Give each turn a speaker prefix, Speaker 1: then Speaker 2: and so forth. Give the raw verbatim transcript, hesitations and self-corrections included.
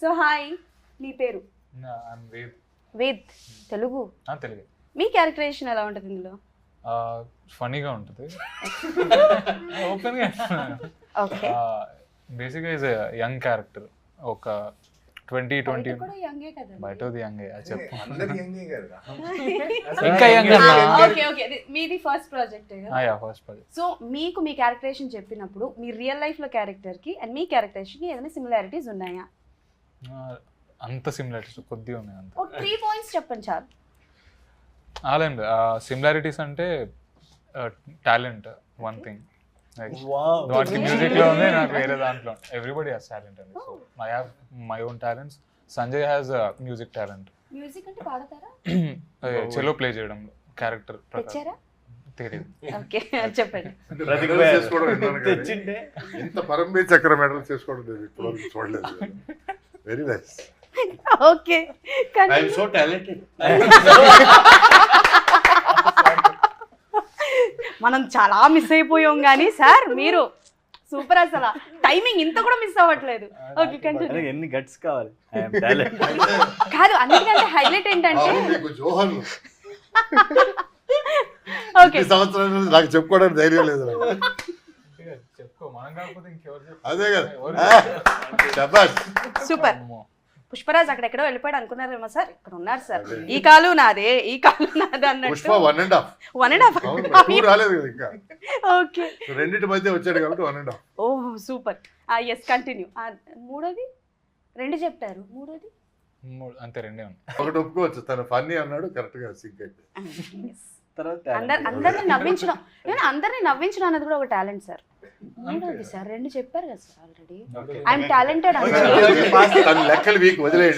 Speaker 1: So hi, నీ పేరు?
Speaker 2: వేద్.
Speaker 1: వేద్. తెలుగు?
Speaker 2: తెలుగు.
Speaker 1: మీ క్యారెక్టరేషన్ ఎలా ఉంటుంది ఇందులో?
Speaker 2: ఫనీగా ఉంటుంది. ఓపెన్ గా
Speaker 1: ఓకే.
Speaker 2: బేసిక్గా ఈజ్ యంగ్ క్యారెక్టర్. ఒక ట్వంటీ ట్వంటీ బయట యంగ్ చెప్పు. ఇంకా యంగ్.
Speaker 1: ఓకే ఓకే, మీది ఫస్ట్ ప్రాజెక్ట్ కదా?
Speaker 2: First project.
Speaker 1: సో మీకు మీ క్యారెక్టరేషన్ చెప్పినప్పుడు మీ రియల్ లైఫ్ లో క్యారెక్టర్ కి అండ్ మీ క్యారెక్టరేషన్ కి ఏదైనా సిమిలారిటీస్ ఉన్నాయా?
Speaker 2: అంత సిమిలారిటీస్ కొద్దిగా ఉన్నాయి. అంత
Speaker 1: ఒక త్రీ పాయింట్స్ చెప్పండి చాలు.
Speaker 2: అలాంటి సిమిలారిటీస్ అంటే టాలెంట్ వన్ థింగ్. వాటికి మ్యూజిక్ లో ఉంది, నాకు వేరే దాంట్లో. ఎవ్రీబడి హాస్ టాలెంట్ అండి. So I have my own talents. Sanjay has music talent.
Speaker 1: Music అంటే పాడతారా?
Speaker 2: చెలో ప్లే చేయడంలో క్యారెక్టర్
Speaker 1: తెచ్చారా?
Speaker 2: తెలియదు.
Speaker 1: ఓకే చెప్పండి.
Speaker 3: ఇంత పరమవీర్ చక్ర మెడల్ చేసుకోవడం లేదు ఇప్పుడు చూడలేదు. Very nice.
Speaker 1: Okay,
Speaker 4: I am so talented.
Speaker 1: మనం చాలా మిస్ అయిపోయాం కానీ సార్ మీరు సూపర్. అసలు టైమింగ్ ఇంత కూడా మిస్ అవ్వట్లేదు. Okay continue.
Speaker 4: ఎన్ని గట్స్ కావాలి? I am talent.
Speaker 1: కాదు, అన్నిటికంటే హైలైట్ ఏంటంటే
Speaker 3: మీకు జోహర్లు
Speaker 1: ఓకే
Speaker 3: సంవత్సరాల నుంచి నాకు చెప్పుకోవడానికి ధైర్యం లేదు.
Speaker 2: చెప్పుకో, మనం కాకపోతే ఇంకెవరు?
Speaker 3: అదే కదా. శభాష్.
Speaker 1: సూపర్. పుష్పరాజ్ అక్కడెక్కడో వెళ్ళిపోయాడు అనుకున్నారేమో సార్. ఇక్కడ ఉన్నారు సార్. ఈ కాలు నాదే, ఈ కాలు నాదే అన్నట్టు.
Speaker 3: Pushpa one and half.
Speaker 1: One and half
Speaker 3: two రాలేదు కదా ఇంకా.
Speaker 1: ఓకే,
Speaker 3: రెండింటి మధ్య వచ్చాడు కాబట్టి one and half.
Speaker 1: Oh super. Yes continue. మూడోది రెండు చెప్పారు, మూడోది
Speaker 2: అంతే రెండే ఉన్నాయి.
Speaker 3: ఒకటి ఒప్పుకోవచ్చు, తను ఫన్నీ అన్నాడు, కరెక్ట్ గా సింక్ అయితే.
Speaker 1: అందరు అందరిని నవ్వించడం, అందరిని నవ్వించడం అనేది కూడా ఒక టాలెంట్ సార్. మూడోది సార్ రెండు చెప్పారు కదా సార్ ఆల్రెడీ. I'm talented.
Speaker 3: తన లెక్కలు వీక్ వదిలేయండి.